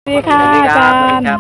สวัสดีค่ะอาจารย์ครับ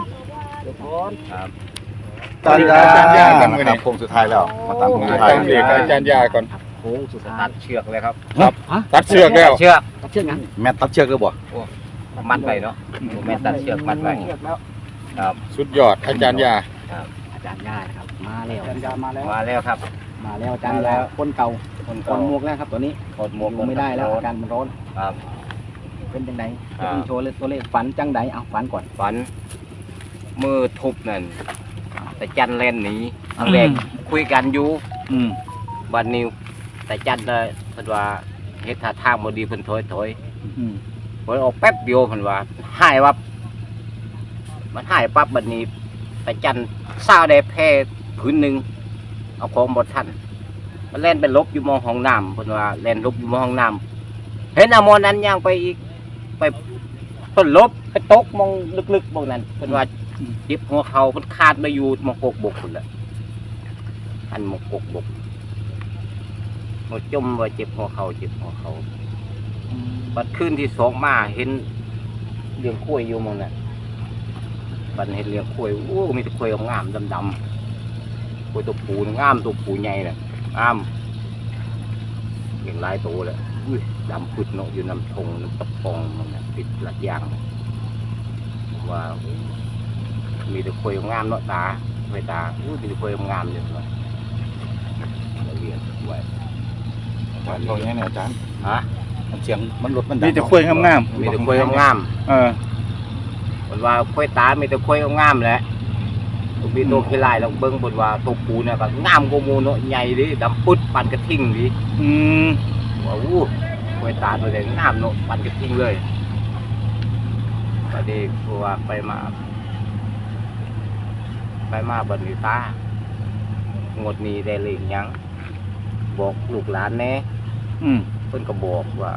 อาจารย์ยากันครับโค้งสุดท้ายแล้วมาตามโค้งสุดท้ายตามเด็กอาจารย์ยาก่อนโค้งสุดตัดเชือกเลยครับตัดเชือกแล้วเชือกเชื่องั้นแม่ตัดเชือกหรือบ่มัดไปเนาะแม่ตัดเชือกมัดไปครับสุดยอดอาจารย์ยาอาจารย์ย่านะครับมาแล้วอาจารย์ย่ามาแล้วมาแล้วครับมาแล้วอาจารย์แล้วคนเก่าคนคเก่านหมวกแล้วครับตัวนี้คนหมวกลงไม่ได้แล้วอาการมันร้อนครับเป็นจังไดครับต้องโชว์เลยตัวเลขฝันจังไดเอาฝันก่อนฝันมือทุบนั่นแต่จันเล่นหนีอันแรกคุยกันอยู่บันนิวแต่จันเลยเพิ่นว่าเฮ็ดท่าทางบ่ดีเพิ่นถอยเพิ่นออกแป๊บเดียวเพิ่นว่าหายวับมันหายปั๊บบัดนี้แต่จันซ่าได้แพ้ผืนหนึงเอาของบ่ทันมันเล่นไปลบอยู่มองห้องน้ำเพิ่นว่าเล่นลบอยู่มองห้องน้ำเห็นอมรนั้นย่างไปอีกไปเพิ่นลบไปตกมองลึกๆมองนั้นเพิ่นว่าเจ็บหัวเข่าเพิ่นขาดมาอยู่มองกกบกพุ่นแหละอันมองกกบกมาจมว่าเจ็บหัวเข่าเจ็บหัวเข่าบัดคืนที่สองมาเห็นเลี้ยงกล้วยอยู่มองนั้นบัดเห็นเลี้ยงกล้วยโอ้มีแต่กล้วยงามดำๆกล้วยตัวผูงามตัวผูใหญ่น่ะงามเลี้ยงหลายตัวเลยดำพุดเนาะอยู่น้ำทงน้ำตะปองมันน่ะติดหลักยางว่ามีแต่กล้วยงามเนาะตาไม่ตามีแต่กล้วยงามเลยว่าเลี้ยงไว้ตรงนี้เนี่ยอาจารย์ฮะมันเสียงมันลดมันดัมีแต่คุยงามมีแต่กล้วยงามๆเออมันว่าค่อยตามีแต่ค่อยงามแหละมีตัวขี้ลายเราเบิ้งบนว่าตัวปูเนี่ยก็งามกว่าหมูเนาะใหญ่ดิดำปึ๊ดปันกระทิ่งดิอืมว่าอู้ค่อยตาตัวเด็กงามเนาะปันกระทิ่งเลยก็ดีเพราะว่าไปมาบันนี้ตางดนี้ได้เลยหยังบอกลูกหลานแน่เพิ่นก็บอกว่า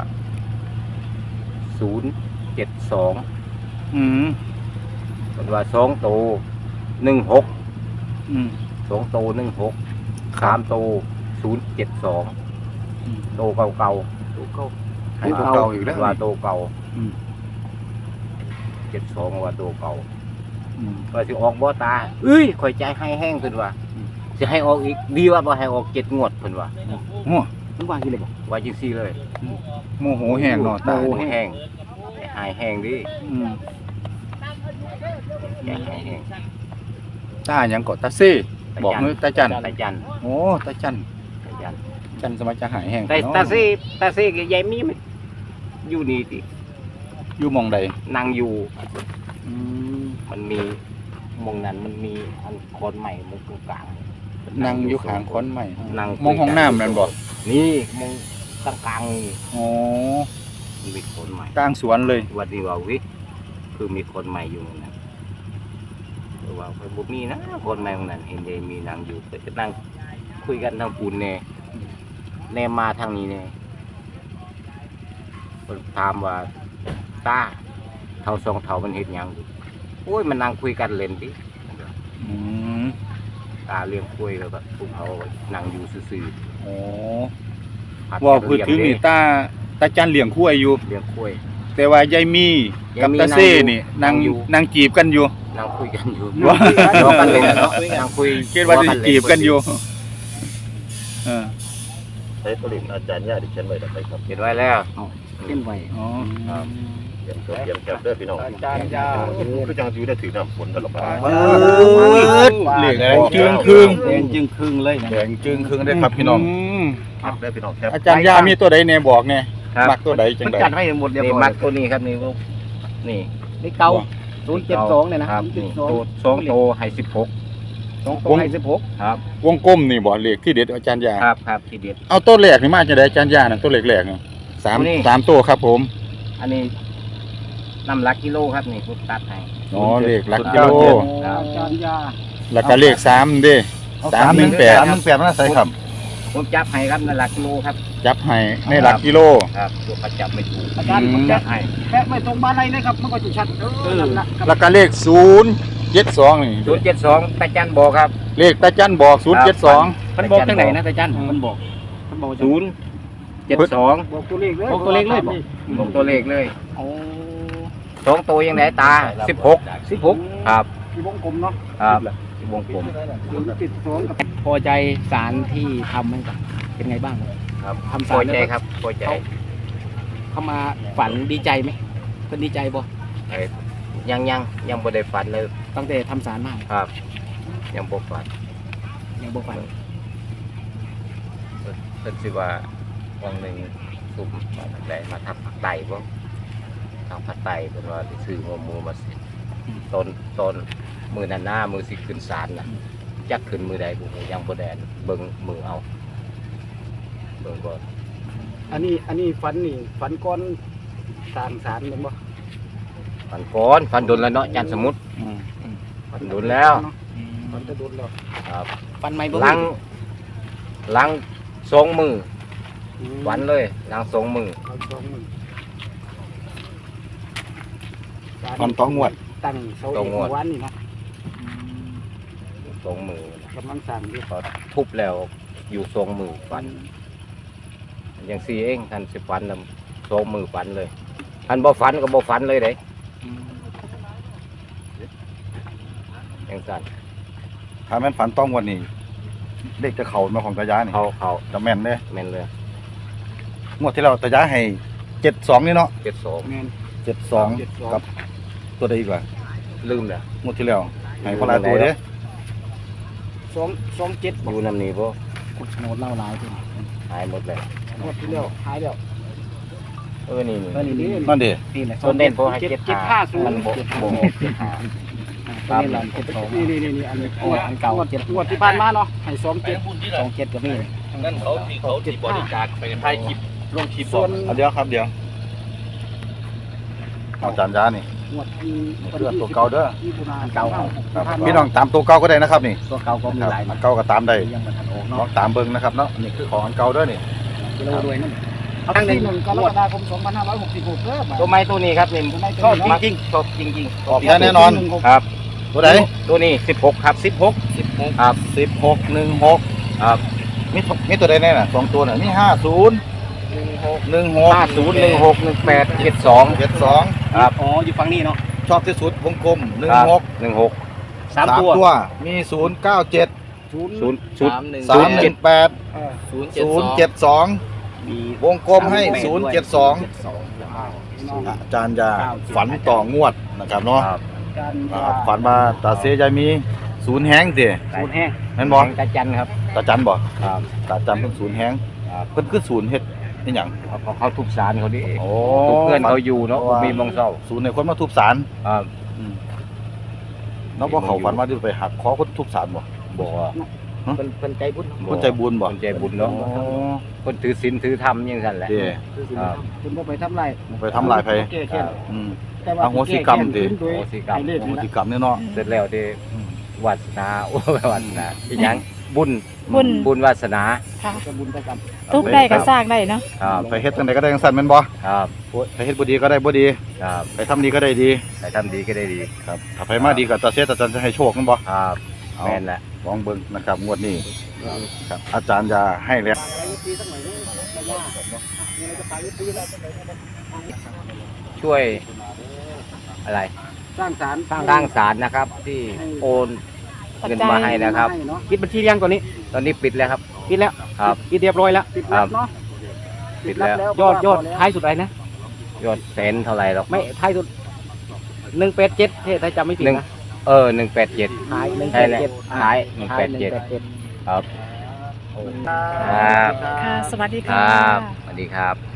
072เพิ่นว่า2ตัว16 2ตัว16 3ตัว072ตัวเก่าๆให้ตัวเก่าอีกแล้วว่าตัวเก่า72ว่าตัวเก่าว่าสิออกบ่ตาเอ้ยข่อยใจให้แห้งเพิ่นว่าสิให้ออกอีกดีว่าบ่ให้ออก7งวดเพิ่นว่ามันว่าที่เลยบอกว่าจังซี่เลยโมโหแห้งเนาะตาโอ้แห้งหายแห้งดิใจหายแห้งตาหยังก็ตาซี่บอกเนื้อตาจันตาจันโอ้ตาจันตาจันจันสมัยจะหายแห้งแต่เนาะตาซี่กับยายมีมันอยู่นี่ติอยู่หมองใดนั่งอยู่มันมีมองนั้นมันมีอันคนใหม่มุกกลางนั่งอยู่ข้างค้อนใหม่นั่งมองห้องน้ำแม่นบ่นี่มองกลางนี่โอ้มันมีคนใหม่กลางสวนเลยวันนี้ว่าวิคือมีคนใหม่อยู่นั่นนะแต่ว่าไปบุมีนะคนใหม่ตรงนั้นเห็นยายมีนั่งอยู่ก็นั่งคุยกันทางปูนแน่มาทางนี้เนี่ยคนถามว่าตาเท่าสองเท่ามันเห็นยังโอ้ยมันนั่งคุยกันเล่นดิอืมตาเลี้ยงคุยแล้วก็พวกเขานั่งอยู่ซื่อโอ้ๆผัดว่าพูดถึงนี่ตาจันเลี้ยงคุ้ยอยู่เลี้ยงคุยแต่ว่ายายมีกับตาเซ่นี่นั่งจีบกันอยู่นั่งคุยกันอยู่ว่าล้อกันเลยเนาะนั่งคุยคิดว่าจะจีบกันอยู่เออใช้ตัวเล็กอาจารย์ยาดิฉันไว้ได้ครับเห็นไว้แล้วเล่นไว้อ๋อเตรียมแคบเด้อพี่น้องอาจารย์ยาคือจังอยู่ได้ถือน้ำฝนตลอดเหลืองแดงจึงครึ่งแดงจึงครึ่งเลยนะแดงจึงครึ่งได้ครับพี่น้องมแคบได้พี่น้องแคบอาจารย์ยามีตัวใดแน่บอกแน่ครับมักตัวใดจังมันใดจัดให้หมดเรียบนี่ร้อยมักตัวนี้ครับนี่ลูกนี่นี่เก่า072เนี่ยนะครับนี่ 072 ตัวสองโตให้16 2ตัวให้16 ครับวงกลมนี่บ่เลขที่เด็ดอาจารย์ยาครับทีเด็ดเอาตัวแรกนี่มาจังไดอาจารย์ยาน่ะตัวแรกๆน่ะสามนี่สามตัวครับผมอันนี้น้ำหลักกิโลครับนี่พุทตัดให้อ๋อเลขหลักกิโลอาจารย์ยาแล้วก็เลข3เด้318 318มันใส่ครับผมจับให้ครับน้ำหลักกิโลครับจับให้ในหลักกิโลครับตัวประจับไม่ถูกอาจารย์ผมจัจะบให้แค่ไม่ตรงบ้านไรนะครับมันก็จะชัดนั่นแหละครับแล้วก็เลข072นี่ 072ตาจันบอกครับเลขตาจันบอก072 มันบอกจังไหนนะอาจารย์มันบอกจัง 072 บอกตัวเลขเลยบอกตัวเลขเลยบอกบอกตัวเลขเลยโอ้ 2ตัวยังไงตา16ครับที่วงกลมเนาะครับวงกลมติดสองกับพอใจสารที่ทำให้กับเป็นไงบ้างครับทำพสาอรใจครับพอใจเขามาฝันดีใจไหมเพิ่นดีใจบ่ยังบ่ได้ฝันเลยตั้งแต่ทำสารมาครับ ยังบ่ฝันยังบ่ฝันเพิ่นสิว่าวันหนึงสุ่มได้มาทำผักไตบ่ทางผักไตเพิ่นว่าสิซื้อหัวหมูมาสิต้นมือนั้นหน้ามือสิขึ้นศาลน่ะจักขึ้นมือใดบ่ฮู้ยังบ่แดนเบิ่งมือเอาเบิ่งก่อนอันนี้ฝันนี่ฝันก้อนสร้างสารเป็นบ่ฝันก่อนฝันโดนแล้วเนาะจันทร์สมุทรฝันโดนแล้วฝันจะโดนแล้วครับฝันใหม่บ่หลัง2 มือฝันเลยหลัง2 มือเอาสองมื้อตอนต้องงวดตั้งเสาเอกเมื่อวานนี่นะ 2 มือกำลังสร้างอยู่พอทุบแล้วอยู่2 มือฝันอย่าง4เองท่านสิฝันนำ2 มือฝันเลยท่านบ่ฝันก็บ่ฝันเลยเด้อย่างซั่นถ้าแม่นฝันต้องงวดนี่เลขจะเข้ามาของตายานี่เขาจะแม่นเด้แม่นเลยงวดที่เราตายาให้72นี่เนาะ 72 แม่น 72กับตัวใดอีกว่าลืมแล้วงวดที่แล้วให้พลายตัวเด้ 2 2 7 อยู่นำนี้บ่โหนดเล่าหลายทีหายหมดเลยหมดที่แล้วหายแล้วนี่นี่นั่นดินี่แหละส่วนเด่นพอให้ 750 มันบ่นี่ครับนี่อันนี้อันเก่างวดที่ผ่านมาเนาะให้27ก็มีนั่นเขาที่บริจาคไปถ่ายคลิปลงคลิปส่วนเอาเดี๋ยวครับเดี๋ยวเอาจานยานี่งวดที่เพื่อนตัวเก่าเด้อที่ตุลาเก่าครับพี่น้องตามตัวเก่าก็ได้นะครับนี่ตัวเก่าก็มีหลายอันเก่าก็ตามได้ยังบ่ทันออกลอเนาะงตามเบิ่งนะครับเนาะนี่คือของอันเก่าเด้อนี่กิโลด้วยนั่นเอาที่1กรกฎาคม2566เด้อตัวไม้ตัวนี้ครับนี่ชอบจริงๆชอบจริงออกแน่นอนๆครับตัวไหนตัวนี้16ครับ16ครับ 1616 ครับมีตัวใดแน่น่ะ2ตัวน่ะมี50 16 50 16 18 72 72 ครับอ๋ออยู่ฝั่งนี้เนาะชอบที่สุดวงกลมครับ 16 16 3 ตัวตัวมี097 0 318 เออ 072 มีวงกลมให้ 072 อาจารย์ยาฝันต่องวดนะครับเนาะครับการฝันว่าตาเสยายมีศูนย์แห้งสิสูตรแห้งแม่นบ่ตาจันครับตาจันบ่ครับตาจันเพิ่นศูนย์แห้งครับเพิ่นคือศูนย์เฮ็ดนี่หยังเขาทุบสารเขาดิโอ้ทุบเพื่อนเขาอยู่เนาะมีมองเศร้าศูนย์ให้คนมาทุบศาลครับเนาะบ่เขาฝันว่าสิไปหักคอคนทุบศาลบ่บอกว่าเป็นใจบุญคนใจบุญบ่คนใจบุญเนาะอ๋อคนถือศีลถือธรรมอยังสั่นแหละเด้คือสิครับคุณบ่ไปทำลายไปทำลายไผแก้แค้นอืมแต่ว่าอโหสิกรรมดิโดยอโหสิกรรมให้เลขโหนี่ตินะกรรมเนี่ยเนาะเสร็จแล้วที่วาสนาโอ้ยวาสนาอีหยังบุญบุญบุญวาสนาค่ะจะบุญจะกรรมทุกได้ก็สร้างได้เนาะครับไปเฮ็ดจังไดก็ได้จังซั่นแม่นบ่ครับไปเฮ็ดบ่ดีก็ได้บ่ดีครับไปทำดีก็ได้ดีใครทำดีก็ได้ดีครับถ้าไปมาดีก็ตาเสยตาจันจะให้โชคแม่นบ่ครับเอาแม่นแหละลองเบิ่งนะครับงวดนี้ครับอาจารย์ยาให้แล้วช่วยอะไรสร้างศาลสร้างศาลนะครับ ที่โอนเงินมาให้นะครับปิดบัญชียังตอนนี้ตอนนี้ปิดแล้วครับปิดแล้วครับปิดเรียบร้อยแล้วปิดแล้วเนาะปิดแล้วยอดท้ายสุดอะไรนะยอดแสนเท่าไหร่หรอกไม่ท้ายสุด187ถ้าจำไม่ผิดนะ 187 ท้ายใช่แล้ว 187 ท้ายท้าย 187 ครับ ครับค่ะ สวัสดีคค่ะรับสวัสดีครับ